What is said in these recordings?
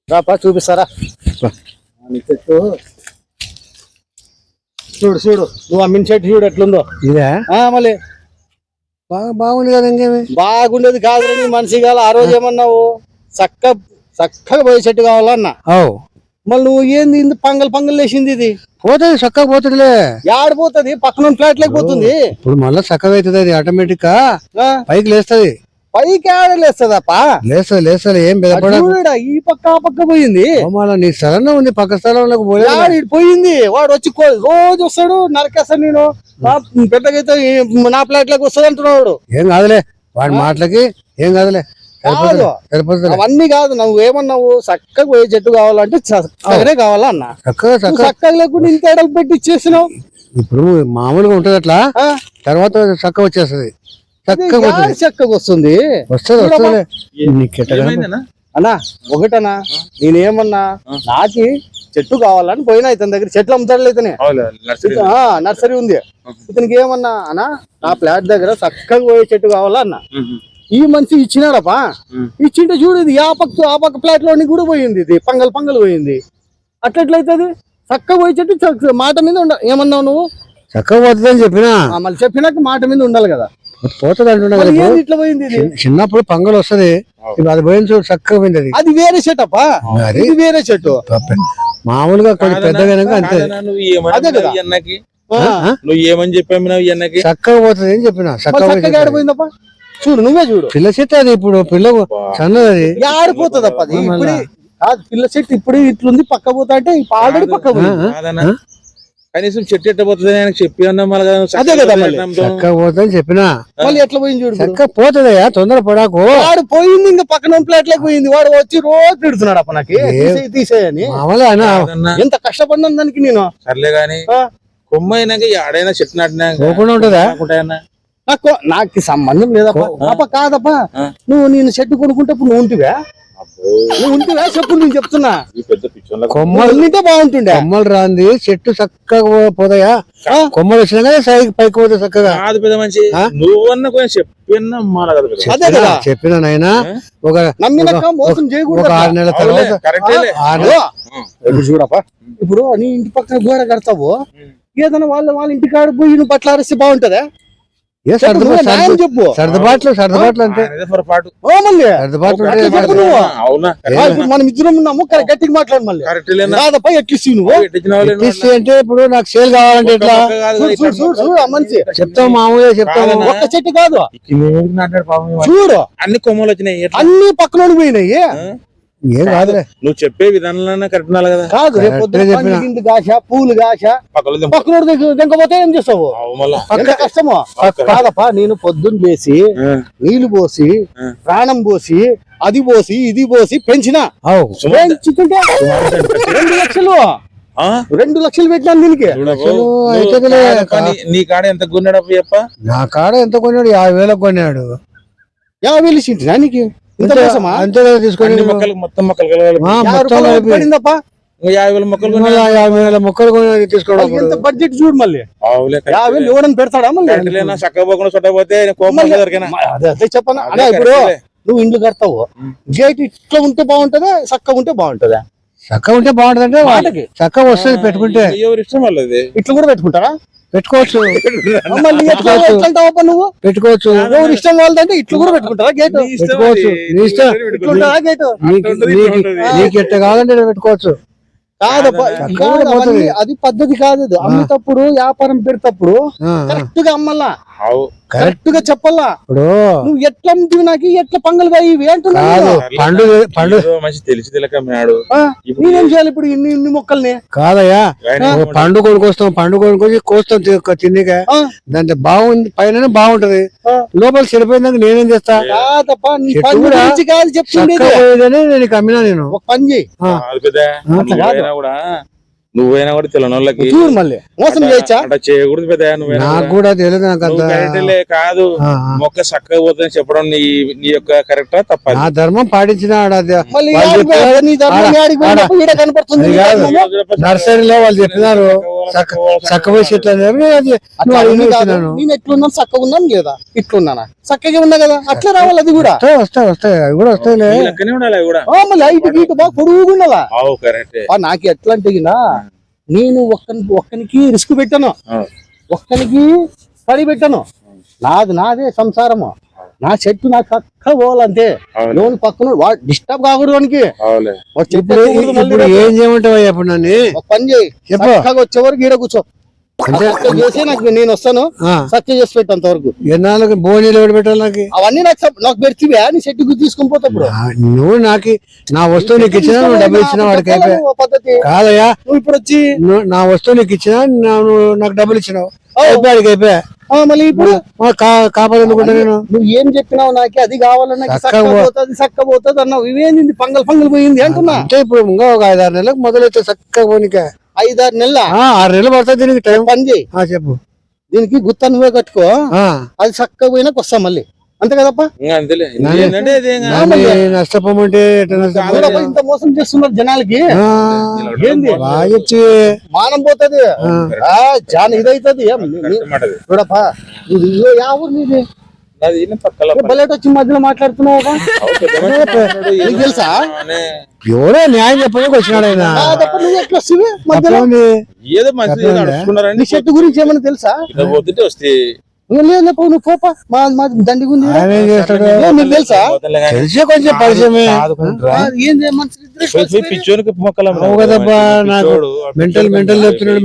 రాపా చూపిస్తారా చెట్టు చూడు చూడు నువ్వు అమ్మిన చెట్టు చూడు ఎట్లుందో ఇదే మళ్ళీ బాగుంది కదా ఇంకేమి బాగుండేది కాదు నీ మనిషి కాదు ఆ రోజు ఏమన్నావు చక్కగా పోయే చెట్టు కావాలన్నా మళ్ళీ నువ్వు ఏంది ఇంత పంగల్ లేచింది ఇది పోతుంది చక్కగా పోతుందిలే ఆడిపోతుంది పక్కన ఫ్లాట్ లేకపోతుంది ఇప్పుడు మళ్ళీ చక్కగా అవుతుంది అది ఆటోమేటిక్ గా పైకి లేస్తుంది పైకి ఆడలేస్తుందప్పా లేస్తుంది ఏం బెదపడ ఈ పక్క ఆ పక్క పోయింది నీ స్థలంలో ఉంది పక్క స్థలంలోకి పోయింది వాడు వచ్చి రోజు వస్తాడు నరకేస్తాడు నేను పెద్దగైతే నా ఫ్లాట్ లోకి వస్తుంది అంటున్నాడు ఏం కాదులే వాడి మాటలకి ఏం కాదులే అవన్నీ కాదు నువ్వు ఏమన్నావు చక్కగా పోయే చెట్టు కావాలంటే చక్కగానే కావాలా అన్న చక్కగా లేకుండా ఇంత ఎడలు పెట్టి ఇచ్చేసినావు ఇప్పుడు మామూలుగా ఉంటది అట్లా తర్వాత చక్కగా వచ్చేస్తుంది చక్కగా వస్తుంది అన్నా ఒకటనా నేనేమన్నా నాకి చెట్టు కావాలని పోయినా ఇతని దగ్గర చెట్లు అమ్ముతాడు ఇతనే నర్సరీ ఉంది ఇతనికి ఏమన్నా అన్నా నా ఫ్లాట్ దగ్గర చక్కగా పోయే చెట్టు కావాలా అన్న ఈ మనిషి ఇచ్చినాడపా ఇచ్చింటే చూడు ఇది ఆ పక్క ఫ్లాట్ లోని కూడా పోయింది ఇది పంగల్ పోయింది అట్లెట్లయితుంది చక్కగా పోయే చెట్టు మాట మీద ఏమన్నావు నువ్వు చక్కగా పోతుందని చెప్పినా మళ్ళీ చెప్పినాక మాట మీద ఉండాలి కదా పోతుంది అంటున్నా ఇట్లా పోయింది చిన్నప్పుడు పంగలు వస్తుంది అది పోయిన చూడు చక్కగా పోయింది అది వేరే చెట్టు అప్ప ఇది వేరే చెట్టు మామూలుగా పెద్దగా అంతే అదే కదా నువ్వు ఏమని చెప్పావు చక్కగా పోతుంది అని చెప్పిన చక్కగా ఆడిపోయిందప్ప చూడు నువ్వే చూడు పిల్ల చెట్టు అది ఇప్పుడు పిల్ల సన్నది ఆడిపోతుంది అప్ప అది ఇప్పుడు పిల్ల చెట్టు ఇప్పుడు ఇట్లుంది పక్క పోతా అంటే ఆల్రెడీ పక్క పోయింది కనీసం చెట్టు ఎట్ట పోతుంది ఆయన చెప్పి అదే కదా చక్కగా పోతుందని చెప్పినా మళ్ళీ ఎట్లా పోయింది చూడు చక్కగా పోతుందయ్యా తొందర పడాకు వాడు పోయింది ఇంకా పక్కన ఫ్లాట్ లేక పోయింది వాడు వచ్చి రోజు తిడుతున్నాడు అప్ప నాకు తీసేయని ఎంత కష్టపడినా దానికి నేను సర్లే గాని కొమ్మ అయినాక ఆడైనా చెట్టు నాటినా ఉంటుందా నాకు సంబంధం లేదప్ప కాదప్పా నేను చెట్టు కొనుక్కుంటే నువ్వు ఉంటివా చెప్పు నేను చెప్తున్నా కొమ్మలు బాగుంటుండే కొమ్మలు రాంది చెట్టు చక్కగా పోతాయా కొమ్మలు వచ్చినా సైకి పైకి పోతే చక్కగా కాదు పెద్ద మంచి నువ్వన్నా కొంచెం చెప్పినా నాయనా ఒక నమ్మినాక మోసం చేయకూడదు 6 నెలల తర్వాత చూడప్ప ఇప్పుడు నీ ఇంటి పక్కన గోడ కడతావు ఏదైనా వాళ్ళ ఇంటి కాడ పోయి నువ్వు బట్టలు ఆరేస్తే బాగుంటదా చెప్పు సర్దుబాట్లు అంతే మనం ఇద్దరం ఉన్నాము గట్టిగా మాట్లాడు మళ్ళీ కాదప్ప ఎట్లిసి నువ్వు అంటే ఇప్పుడు నాకు సేల్ కావాలంటే ఎట్లా మంచి చెప్తావు మామూలుగా చెప్తావు ఒక్క చెట్టు కాదు చూడు అన్ని కొమ్మలు వచ్చినాయి అన్ని పక్కన పోయినాయి ఏం కాదులే నువ్వు చెప్పే విధానంలో కరెక్ట్ ఉండాలి కదా కాదు రేపు గాష పూలు గాష పక్కన దింకపోతే ఏం చేస్తావు కష్టమో కాదప్పా నేను పొద్దున్న లేసి నీళ్లు పోసి ప్రాణం పోసి అది పోసి ఇది పోసి పెంచినా పెంచుతుంటే 2 లక్షలు 2 లక్షలు పెట్టినాను దీనికి నీ కాడ ఎంత కొన్నాడు చెప్ప నా కాడ ఎంత కొన్నాడు 50,000 కొన్నాడు 50,000 ఇచ్చింది నీకు అంతే తీసుకొని మొత్తం మొక్కలు పడిందప్ప 50,000 మొక్కలు 50,000 మొక్కలు తీసుకోవడం బడ్జెట్ చూడు మళ్ళీ 50,000 ఎవడని పెడతాడా మళ్ళీ చక్కగా పోకుండా చుట్టపోతే అదే చెప్పనా అదే ఇప్పుడు నువ్వు ఇండ్లు కడతావు గేట్ ఇట్లా ఉంటే బాగుంటదా చక్కగా ఉంటే బాగుంటదా చక్కగా ఉంటే బాగుంటది అంటే చక్కగా వస్తుంది పెట్టుకుంటే ఎవరి ఇష్టం వాళ్ళది ఇట్లా కూడా పెట్టుకుంటారా పెట్టుకోవచ్చు నువ్వు పెట్టుకోవచ్చు ఎవరు ఇష్టం వాళ్ళదంటే ఇట్లు కూడా పెట్టుకుంటారా గేట్ పెట్టుకోవచ్చు నీ ఇష్టం గేట్ నీకు ఎట్ట కావాలంటే పెట్టుకోవచ్చు అది పద్ధతి కాదు అమ్మేటప్పుడు వ్యాపారం పెడతప్పుడు కరెక్ట్ గా అమ్మల్లా కరెక్ట్ గా చెప్పాలా నువ్వు ఎట్లా అమ్ముతావు నాకు ఎట్లా పంగలు పోయి మంచి తెలిసి తెలియకమ్మాడు నేనేం చేయాలి ఇప్పుడు ఇన్ని మొక్కల్ని కాదయ్యా పండు కొనుకొస్తాం పండు కొనుక్కొచ్చి కోస్తాం తిండిగా దాంట్లో బాగుంది పైన బాగుంటది లోపల చెడిపోయిందాక నేనేం చేస్తా చెప్తుండే నేను కమ్మినా నేను ఒక పని చేయి నువ్వైనా కూడా తెలియనోళ్ళకి మళ్ళీ మోసం చేయొచ్చా చేయకూడదు పెద్ద నాకు కూడా తెలియదు కాదు మొక్క చక్కగా పోతుందని చెప్పడం నీ యొక్క కరెక్టా తప్ప నా ధర్మం పాటించిన కనపడుతుంది నర్సరీలో వాళ్ళు చెప్పినారు చక్కగా చెట్లు అనేది అది నువ్వు అడిగిన ఇచ్చినాను. నేను ఎట్లున్నాను చక్కగా ఉన్నాను లేదా ఇట్లున్నానా చక్కగా ఉన్నా కదా అట్లా రావాలి అది కూడా వస్తాయి అవి కూడా వస్తాయిలే. లెక్కనే ఉండాలి అవి కూడా. మళ్ళీ లైట్ గీట బాగా పొడుగుండాలా అవు కరెక్టే. నాకు ఎట్లా అంటే నేను ఒక్కనికి రిస్క్ పెట్టాను, ఒక్కనికి పడి పెట్టాను. నాదే సంసారము, నా చెట్టు నాకు చక్కగా పోవాలంతే. లోన్ పక్కన డిస్టర్బ్ కాకూడదు వానికి. ఇప్పుడు ఏం చేయమంటావు అప్పుడు నన్ను? ఒక పని చేయి, చక్కగా వచ్చే వరకు ఈడ కూర్చో చేసి నాకు నేను వస్తాను చక్కగా చేసి పెట్టేంత వరకు. ఎన్నాళ్ళకి బోనీలు ఎవరు పెట్టాలి నాకు? అవన్నీ నాకు పెడితే నీ చెట్టుకు తీసుకుని పోతాప్పుడు నువ్వు నాకు నా వస్తువు నీకు ఇచ్చినా నువ్వు డబ్బులు ఇచ్చినా వాడికి అయిపోయా పద్ధతి కాదయ్యా. నువ్వు ఇప్పుడు వచ్చి నా వస్తువు నీకు ఇచ్చినా నువ్వు నాకు డబ్బులు ఇచ్చినావు వాడికి అయిపోయా. మళ్ళీ ఇప్పుడు కాపాడనుకుంటా నేను. నువ్వు ఏం చెప్పినావు నాకే అది కావాలన్నా చక్క పోతుంది అన్నావు. ఇవేంది పంగల్ పోయింది అంటున్నా. అంటే ఇప్పుడు ఇంకా ఒక 5-6 నెలలకు మొదలైతే చక్కగా పోనీక. 5-6 నెలల 6 నెలలు పడుతుంది దీనికి టైం. పని చేయి, చెప్పు. దీనికి గుత్త నువ్వే కట్టుకో, అది చక్కగా పోయినాక వస్తాం మళ్ళీ. అంతే కదప్పా? నష్టపోమంటే ఇంత మోసం చేస్తున్నారు జనాలకి. ఏంది మానం పోతుంది, చాలా ఇదైతుంది. చూడప్పా యా ఊరు నీది? బయట వచ్చి మధ్యలో మాట్లాడుతున్నావు తెలుసా? ఎవరో న్యాయం చెప్పడానికి వచ్చినాడు ఆయన. నువ్వు ఎట్లా వస్తుంది మధ్యలో? నీ చెట్టు గురించి ఏమన్నా తెలుసా? నువ్వు పోపా, మా దండిగా ఉంది. నీకు తెలుసా? తెలిసే కొంచెం పరిచయమే. కదబ్బా నాకు మెంటల్ చెప్తున్నాడు.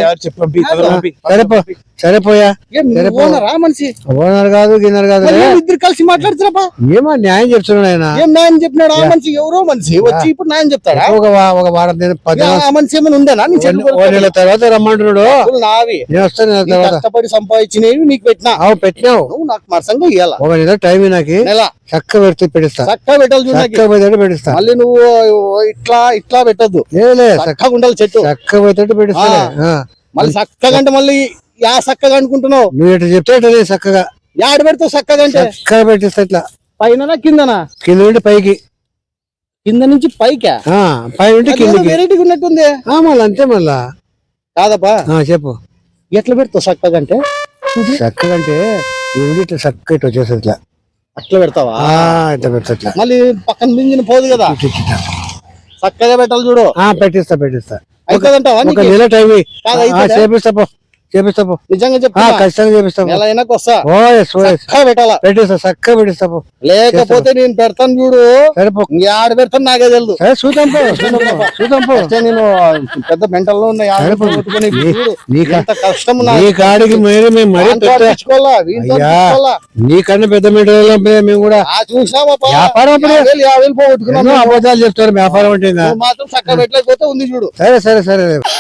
సరేపోయా. ఓనరా మనిషి? ఓనర్ కాదు గిన్నర్ కాదు, ఇద్దరు కలిసి మాట్లాడుతున్నా. ఏమో న్యాయం చెప్తున్నాడు ఆయన. ఏం న్యాయం చెప్పినాడు? ఆ మనిషి ఎవరో మనిషి వచ్చి ఇప్పుడు న్యాయం చెప్తాడా? ఒక వారం 10 ఆ మనిషి ఏమైనా ఉందేనా? నెలల తర్వాత రమ్మంటున్నాడు. నావి నేను వస్తాను కష్టపడి సంపాదించినవి నీకు పెట్టినా. పెట్టినావు నువ్వు నాకు మరసంగా ఇవ్వాలా. ఒక నెల టైం నాకు నెల చక్క పెడితే పెట్టిస్తా. చక్కగా పెట్టాలి, పెట్టిస్తా. మళ్ళీ నువ్వు ఇట్లా పెట్టద్దు. చక్కగా ఉండాలి చెట్టు, చక్క పోయేటట్టు పెట్టిస్తా. మళ్ళీ చక్కగా అంటే మళ్ళీ యా చక్కగా అనుకుంటున్నావు. నువ్వు ఎట్లా చెప్తే చక్కగా యాడ పెడతావు? చక్కగా అంటే చక్కగా పెట్టిస్తా. ఇట్లా పైన కిందనా? కింద నుండి పైకి, కింద నుంచి పైకా? పై నుండి కిందకి. వెరైటీగా ఉన్నట్టుంది. మళ్ళీ అంతే మళ్ళా కాదప్పా చెప్పు. ఎట్లా పెడతావు చక్కగా అంటే? చక్కగా అంటే ఇట్లా చక్క ఇట్లా వచ్చేస్తుంది. ఇట్లా అట్లా పెడతావా? ఇట్లా పెడతా. మళ్ళీ పక్కన మింగిన పోదు కదా, చక్కగా పెట్టాలి చూడు. పెట్టిస్తా. అవుతుందంటావా? నెల టైం చేపిస్తా. నిజంగా చెప్తా, ఖచ్చితంగా చేపిస్తా. నెల అయినాక వస్తా. చక్కగా పెట్టాలా? చక్కగా పెట్టిస్తా. లేకపోతే నేను పెడతాను చూడు. ఆడ పెడతాను నాకే తెలుసు. చూద్దాం. నేను పెద్ద మెంటల్లో ఉన్న కష్టం కాడికి నీకన్నా పెద్ద మెంటల్ మేము కూడా చూసామా? వ్యాపారం పోగొట్టుకున్నాను. అబద్ధాలు చెప్తారు వ్యాపారం అంటే మాత్రం చక్కగా పెట్టలేకపోతే ఉంది చూడు. సరే